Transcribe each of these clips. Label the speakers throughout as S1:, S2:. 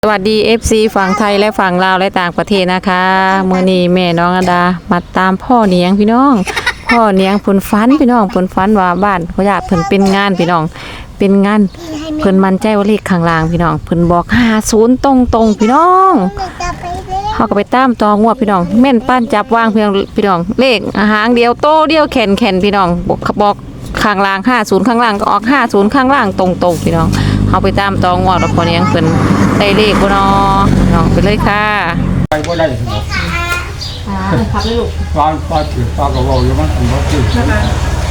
S1: สวัสดี FC ฝั่งไทยและฝั่งลาวและต่างประเทศนะคะมื้อนี้แม่น้องอดามาตามพ่อเนียงพี่น้องพ่อเนียงเพิ่นฝันพี่น้องเพิ่นฝันว่าบ้านเขาญาติเพิ่นเป็นงานพี่น้องเป็นงานเพิ่นมั่นใจว่าเลขข้างล่างพี่น้องเพิ่นบอก50ตรงๆพี่น้องเฮาก็ไปตามต่องวดพี่น้องแม่นป้านจับวางพี่น้องเลขหางเดียวโตเดียวแขนพี่น้องบอกข้างล่าง50ข้างล่างก็ออก50ข้างล่างตรงๆพี่น้องเฮาไปตามต่องวดแล้วพ่อเนียงเพิ่นได้เลขบ่เนาะน้องไปเลยค่ะ
S2: ไปบ่ได้หรอก
S1: ครับเลยลูก
S2: ฟ้าถือฟ้าก็เว้าอยู่มันถือว่าถือ
S3: นะคะ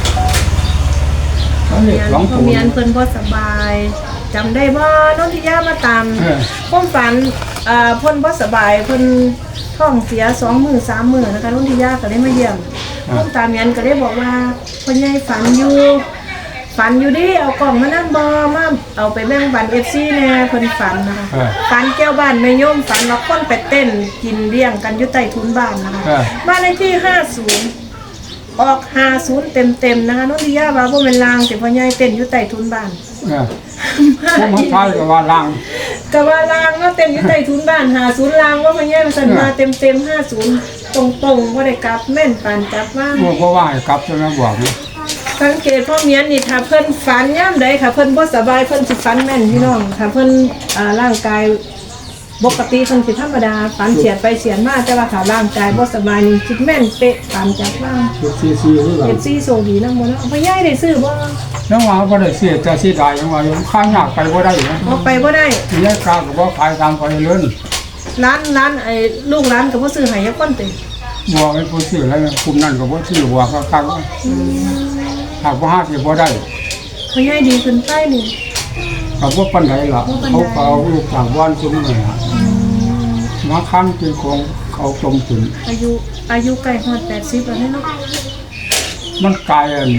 S2: แล้วนี่หลวงปู่
S3: เมียนเพิ่นบ่สบายจำได้บ่น้องที่ย่ามาตามความฝันเพิ่นบ่สบายเพิ่นท้องเสีย2 มื้อ 3 มื้อนะคะน้องที่ย่าก็ได้มาเยี่ยมน้องตาเมียนก็ได้บอกว่าพ่อใหญ่ฝันอยู่ดิเอากล่องมานั่งบ่มาเอาไปแบ่งปัน FC แน่เพิ่นฝันนะคะฝันแก้วบ้านแม่โยมฝันว่าคนไปเต้นกินเลี้ยงกันอยู่ใต้ทุนบ้านนะคะบ้านเลขที่50ออก50เต็มๆนะคะน้องดิยาว่าบ่แม่นลางแต่พ่อใหญ่เต้นอยู่ใต้ทุนบ้าน
S2: พวกมันใช่ก็ว่าล่าง
S3: ก็ว่าลางเนาะเต้นอยู่ใต้ทุนบ้าน50ลางว่าพ่อใหญ่มันสั่นมาเต็ม50ตรงๆบ่ได้กลับแม่นปานจับว่า
S2: บ่ว่าให้กลับใช่มั้ยบอกนี่
S3: สังเกตพ่อเมียนนี่ถ้าเพิ่นฝันยามใดค่ะเพิ่นบ่สบายเพิ่นสิฝันแม่นพี่น้องถ้าเพิ่นร่างกายปกติเพิ่นสิธรรมดาฝันเฉียดไปเฉียดมาแต่ว่าถ้าร่างกายบ่สบายนี่คิดแม่นเป๊ะตามจับว่า
S2: ซีคือกัน
S3: FC โซดีนำบ่เนาะพ่อใหญ่ได้ซื้อบ่
S2: แล้วว่าบ่ได้เสียจะสิได้ยังว่าอยู่ข้างยากไปบ่ได้นะ
S3: บ่ไปบ่ได้
S2: ยายกาก็บ่ขายตามไปเลื่อน
S3: ร้านไอ้ลูกร้านก็บ่ซื้อให้ยักคนติ
S2: บ่ให้ผู้ซื้อแล้วกลุ่มนั้นก็บ่ซื้อว่าคักหากบ่หาสิบ่ได้
S3: พ่อใหญ่ดีขึ้นไปนี่
S2: ก็บ่ปานใดล่ะเขาก็เอาลูกจากบ้านซุมนี่ล่ะมาค้ำกินของเขาจมขึ้น
S3: อายุใกล้ฮอด80แล้วเนาะ
S2: มันกลายอัน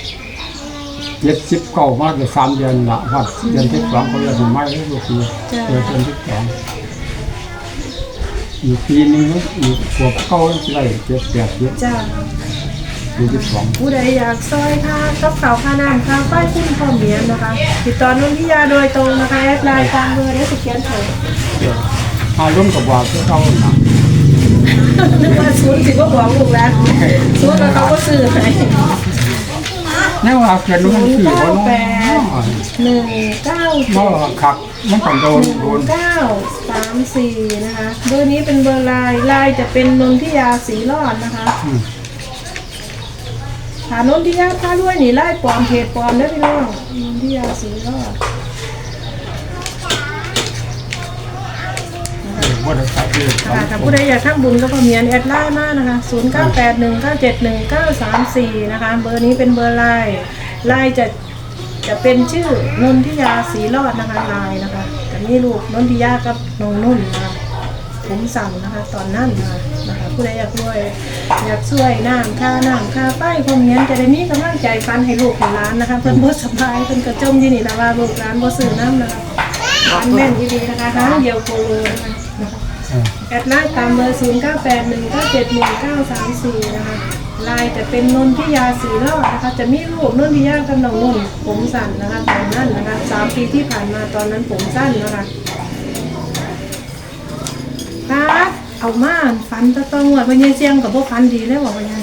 S2: 79มาได้3เดือนละครับเดือนที่2เขาเรียกไม่แล้วก็คือเดือนที่2อีกปีนึงอีกพวกเขาได้7-8เดือน
S3: จ้า
S2: อยู่ที่2
S3: ผู้ใดอยากซอยค่ะกับข้าวค่าน้ำค่าไฟคุณพ่อเมียนนะคะติดต่อนุ่นทิยาโดยตรงนะคะแอดไลน์ตามเบอร์ได้สิเขียนโทร
S2: ร่วมกับว่าเขาน่ะ
S3: นึกว่าศูนย์สิบ่บอกลูกแล้วศูนย์แล้วเขาก็ซื้อให้
S2: แนวว่าเขียนมันคือว่าน้อง
S3: 198
S2: บ่คักมันต้องโดน
S3: 934นะคะเบอร์นี้เป็นเบอร์ไลน์จะเป็นนนทิยาสีรอดนะคะถานนทิยาพาด้วยนี่ไล่ปลอมเพจปลอมได้พี่น้องนนทิยาสีรอดถ้าผู้ใดอยากทำบุญก็พอเมียนแอดไลน์มานะคะ0981971934นะคะเบอร์นี้เป็นเบอร์ไลน์จะเป็นชื่อนนทิยาสีรอดนะคะไลน์นะคะแต่นี่ลูกนนทิยากับน้องนุ่นนะคะผมสั่งนะคะตอนนั้นนะคะผู้ใดอยากช่วยน้ำค่าไฟพอเมียนจะได้มีกำลังใจฟันให้ลูกให้ร้านนะคะเพิ่นบ่สบายเพิ่นกระจมที่นี่แล้วว่าลูกร้านบ่ซื้อน้ำนะคะร้านแม่นดีๆนะคะร้านเดียวโคโลนะคะแอดไลน์ตามเบอร์0981971934นะคะไลน์จะเป็นนนทิยาสีรอดนะคะจะมีรูปนนทิยากับน้องนุ่นผมสั้นนะคะตอนนั้นนะคะ3 ปีที่ผ่านมาตอนนั้นผมสั้นนะคะครับเอามาฝันตะตองว่าพญาเสียงกับพวกฝันดีแล้วบอกพญา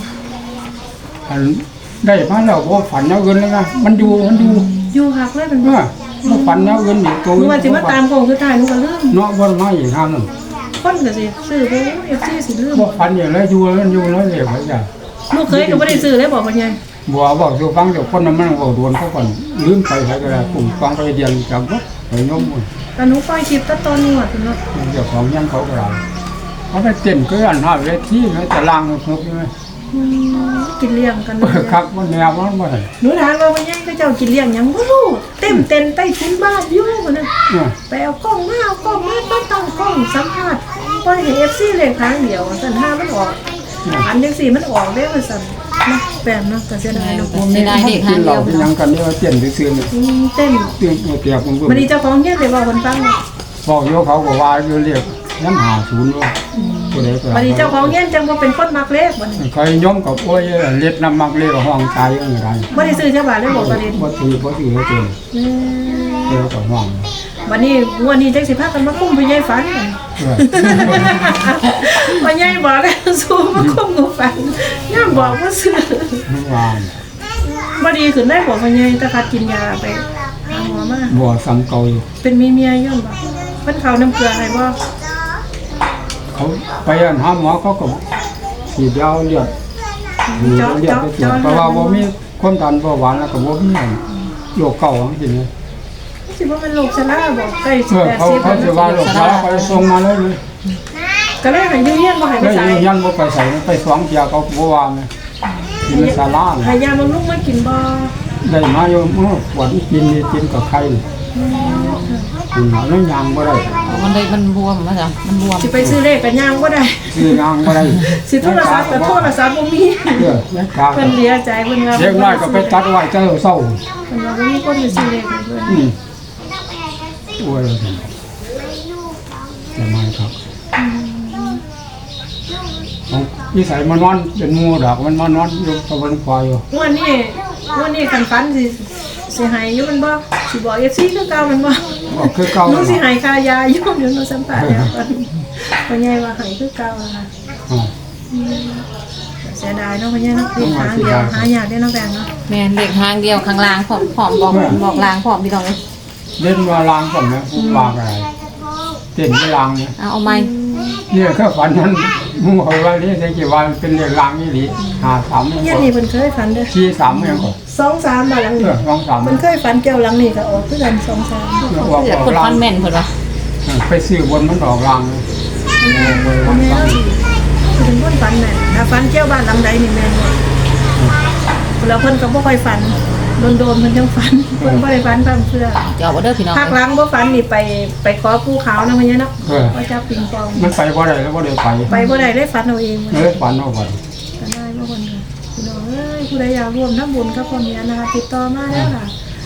S2: ได้มาแล้วบ่ฝันเอาเงินเลยนะมัน
S3: อยู่หักเลยมัน
S2: บ่ฝันเอาเงินนี่ตัว
S3: ว่าสิมาตามโคงสุดท้ายนูก็ลืม
S2: เนาะบ่มาอีกทางนึง
S3: คนก็สิซื้อไป FC สิลืม
S2: บ่ฝันอย่างแล้วอยู่แล้วเรียกว่าจ้ะ
S3: ลูกเคยก็บ่ได้ซื้อเลยบอกพญา
S2: บ่บอกสู่ฟังเดี๋ยวคนนั้นมันบ่โดนเขาก่อนลืมไปใครก็ได้ปุ่มฟังไปเดียนจังบ่ไปยม
S3: แต่หนูปล่อยคลิปตะตอนนวดเนาะ
S2: เจ้าของยังเขาก็ได้เขาไปเต้นก็อันหาเวทีนะจะล้างทุกใช่มั้ย
S3: กินเลี้ยงกัน
S2: ครับบ่แนวมันบ่ได้
S3: หนูถามว่าพญาเขาเจ้ากินเลี้ยงหยังบ่รู้เต้นใต้ทุนบ้านอยู่บ่นั่นไปเอากล้องมาบ่ต้องกล้องสัมภาษณ์ปล่อยให้ FC เล่นครั้งเดียวซั่นถ้ามันออกอันจังซี่มันออกได้ว่าซั่นนะแปลนเนาะก็เสียดายเนาะ
S1: เสียดายเด็กหาเดียว
S2: ยังกันนี่ว่าเต้นซื่อๆนี่
S3: เต้น
S2: เปียกมัน
S3: บ่ดีเจ้าของเฮ็ดได้ว่าคนฟัง
S2: บอกอยู่เขาก็ว่าอยู่เรียกน้ำ50ว่าผู้ใดก็
S3: บ่ดีเจ้าของเฮ็ดจังบ่เป็นคนมักเลขบ่นี่
S2: เคยยมกับโอ้ยเล็ดน้ำมักเลขห้องตายจังได๋
S3: บ่ได้ซื้อจักบาทเลยบ่บ่ได้
S2: บ่ถือเลยเจ้าก็ห้อง
S3: บวันนี้งวดนี้จังสิพากันมาคุ้มพ่อใหญ่ฝัน พ่อใหญ่บอกแล้วสู้มาคุ้มกูฝันย่าบอกว่าซื้อ
S2: เมื่อวาน
S3: บ่ดีขึ้นได้บ่พ่อใหญ่ตะคัดกินยาไปหาหมอมา
S2: บ่ซ้ำเก่าอยู่
S3: เป็นมีเมียย้อนบ่เพิ่นเข้าน้ำเกลือให้บ่
S2: เขาไปหาหมอเขาก็ฉีดยาเลือดเลือดไปตรวจเพราะว่าบ่มีความดันเบาหวานแล้วก็บ่มีโรคเก่าจังซี่นะ
S3: สิบ่เป็นโรคชราบ่ใกล้สิ
S2: เขา
S3: 80
S2: เขาสิว่าโรคชราเขาส่งมาเลย
S3: ก็เลยให้อยู่เฮียนบ่ให้ไป
S2: แล้ว
S3: ใส่
S2: ยันบ่ไปใส่ไปสองเที่ยวเขาบ่ว่าแม่กินในศาลา
S3: ให้ยาบำรุงมากินบ่
S2: ได้มาอยู่ปวดกินนี่กินกับไข่กินหาแล้วยางบ่ได้
S1: มันเลยมันบวมมาจ้ะมันบวม
S3: สิไปซื้อเลขกันย่างบ่ได้
S2: ซื้อยางบ่ได้
S3: สิโทรศัพท์ก็โทรศัพท์บ่มี
S2: เออยังกา
S3: เพิ่นเสียใจเพิ่นว่า
S2: เด็กน้อยก็ไปตัดไว้เจ้าเศร้า
S3: เพิ่นว่าบ่มีคนไปซื้อเลขให้เพิ่น
S2: โอ้ยจะมาครับนิสัยมันนอนเป็นงูดอกมันมานอนอยู่ตะวันควายอยู่
S3: วันนี้คันฝันสิให้อยู่มันบ่สิบอก FC คือเก่ามันบ่
S2: บอกคือเก่า
S3: หนูสิให้ค่ายาอยู่เดี๋ยวหนูสัมภาษณ์แล้วเพิ่นใหญ่ว่าให้คือเก่าล่ะค่ะเสียดายเนาะเพิ่นใหญ่เนาะเป็นหางเดียวหายากได้เนาะแบงเนาะ
S1: แม่นเด็กหางเดียวข้างล่างผอมบอกล่างผอมพี่น้องเลย
S2: เล่นมาลางก่อนนะลางอะไรเต้นไม่ลางเนี่ย
S1: เอาไม้
S2: เนี่ยแค่ฝันนั้นมึงเอาไว้นี่ได้กี่วันเป็นเรื่องลางนี่หรือ53
S3: เฮียนี่เพิ่นเคยฝันเด้อ
S2: 43ยังก่อน
S3: 2-3บาทหลังนี้
S2: 23
S3: เพิ่นเคยฝันเกี่ยวหลังนี้ก็ออกคือกัน2-3
S1: เสือคนฟันแม่นเพิ่นว่า
S2: ไปซื้อบนมันดอกลางเลย
S3: แม่เป็นคนฝันแม่นถ้าฝันเกี่ยวบ้านหลังใดนี่แม่นบ่แล้วเพิ่นก็บ่ค่อยฝันโดนๆเพิ่นจังฝันเพิ่นบ่ได้ฝันตามเชื่อ
S1: เจ้าบ่เด้อพี่น้อง
S3: ภาคหลังบ่ฝันนี่ไปขอภูเขานะเพิ่นเนาะว่าจับปิงปอง
S2: มันไปบ่ได้แล้วบ่ได้ไป
S3: ไปบ่ได้ได้ฝันเอาเอง
S2: เลยฝันเอาบ่
S3: ก็ได้บ่คนค่ะพี่น้องเอ้ยผู้ใดอยากร่วมทำบุญกับพ่อเมียนะคะติดต่อมาแล้วค่ะ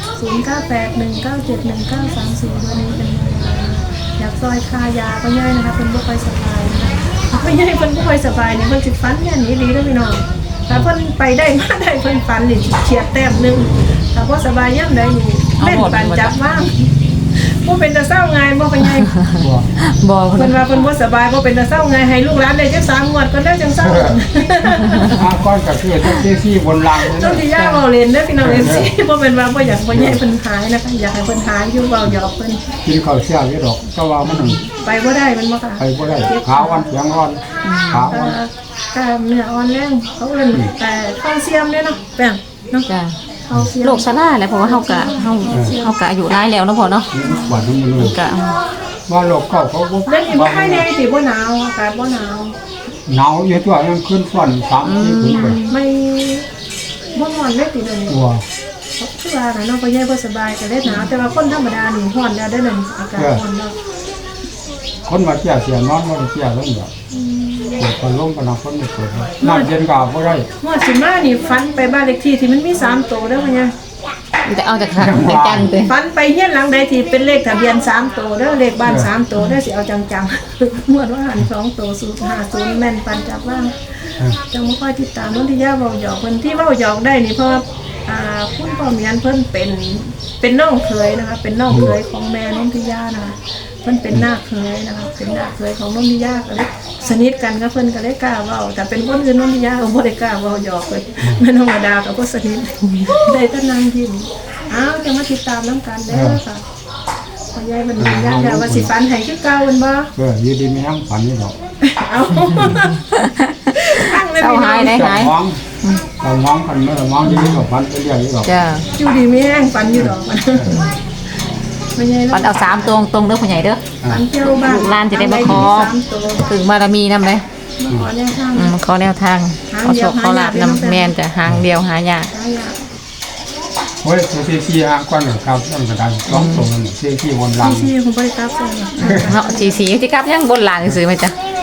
S3: 0981971934ตัวนี้เป็นอยากซอยคายาก็ย่ายนะคะเพิ่นบ่ค่อยสบายนะคะก็ย่ายเพิ่นบ่ค่อยสบายนี่เพิ่นสิฝันแม่นอีหลีเด้อพี่น้องถ้าเพิ่นไปได้มาได้เพิ่นฝันนี่เฉียดแต้มนึงถ้าบ่สบายยามใดนี่แม่นปันจับว่างบ่เป็นตาเศร้าไงบ่เป็นไง
S1: บอก
S3: เพิ่นว่าเพิ่นบ่สบายบ่เป็นตาเศร้าไงให้ลูกหลานได้จัก3งวดก็ได้จังเศร้า
S2: ก้อนกับเพื่อนที่บนรางเลย
S3: ต้นที่ย่าเว้าเล่นเด้อพี่น้อง FC บ่เป็นว่าบ่อยากบ่ใหญ่เพิ่นหายนะคะอยากให้เพิ่นหายอยู่เว้าหยอกเพิ่น
S2: กินข้าวเช้าอยู่ดอกก็ว่ามัน
S3: ไปบ่ได้มันบ่ค่ะ
S2: ไปบ่ได้ขาวันเสียงร้อนขาวัน
S3: กล้ามเนื้ออ่อนแรงเขาเอิ้นแต่คาลเซียมเด้เนาะแป้งเนาะ
S1: จ้ะ
S3: คาลเซียม
S1: โรคซาร่าแหละเพราะว่าเฮากะอายุหลายแล้วเนาะพ่อเนาะ
S2: หวานมันเลย
S1: กะ
S2: ว่าโลกเขาบ่
S3: เดี๋ยวนี้บ่ค่อยแน่สิบ่หนาวอากาศบ่หนาว
S2: หนาวอยู่ตัวยังขึ้นฝน3-4ขึ้นไป
S3: ไม่บ่ร้อนเลยติเดี๋ยวนี้
S2: ตัว
S3: คือว่าน่ะเนาะบ่ใหญ่บ่สบายก็ได้หนาวแต่ว่าคนธรรมดานี่ร้อนแล้วได้นั่นอากาศร้อนแล้ว
S2: คนมาเที่ยวเสียนอนบ่ได้เที่ยวแล้วแบบเปิดพัดลมกันคนไม่เปิดน้ำเย็นก็บ่ได้
S3: งวดสิมานี่ฝันไปบ้านเลขที่ที่มันมี3ตัวเด้อพ่อใหญ่
S1: แต่เอาจากจังๆเด้
S3: ฝันไปเฮียนหลังใดที่เป็นเลขทะเบียน3ตัวเด้อเลขบ้าน3ตัวเด้อสิเอาจังๆ งวดว่าหัน2ตัว050แม่นปันจับว่างจังบ่ค่อยติดตามนนทิยาเว้าหยอกเพิ่นที่เว้าหยอกได้นี่เพราะว่าคุณพ่อเมียนเพิ่นเป็นน้องเขยนะคะเป็นน้องเขยของแม่นนทิยานะคะเพิ่นเป็นน้าเขยนะคะเป็นน้าเขยของนนทิยาก็เลยสนิทกันกับเพิ่นก็เลยกล้าเว้าแต่เป็นคนอื่นนนทิยาก็บ่ได้กล้าเว้าหยอกเพิ่นแม่น้องอดาก็บ่สนิทได้แต่นั่งยิ้มอ้าวจะมาติดตามน้ำกันเด้อค่ะพ่อใหญ่เพิ่นยืนยันแล้วว่าสิฝันให้คือเก่าเพิ่นบ่
S2: อยู่ดีมีทั้งฝันนี่ดอก
S3: เอาตั้งเลย
S1: เศร้า
S3: พี่น้
S1: หา
S3: อย ง
S1: ได้หาย
S2: เรามองกันเมื่อมองที่นี่ก็ฝันไปเรื่อยๆดอก
S1: จ้ะ
S3: อยู่ดีไม่แห้งฝันอยู่ดอกมันไม่ใช่
S1: ปันเอา3ตัวตรงเด้อพ่อใหญ่เด้อ
S3: ฝันเที่ยวบ้าน
S1: ลูกหลานจะได้มาขอ ถึงบารมีนำเลย
S3: ขอแนวทาง
S1: ขอแนวทางขอโชคขอลาบนำแม่นจะหางเดียวหายาก
S2: โอ้ยซีฮะก้อนครับต้นกระดาน2ตัวนี่ซีวนราง
S3: ที่คุณบริการส่ง
S1: เนาะสีที่กลับยังบนหลังซื้อมาจ้ะ
S3: เ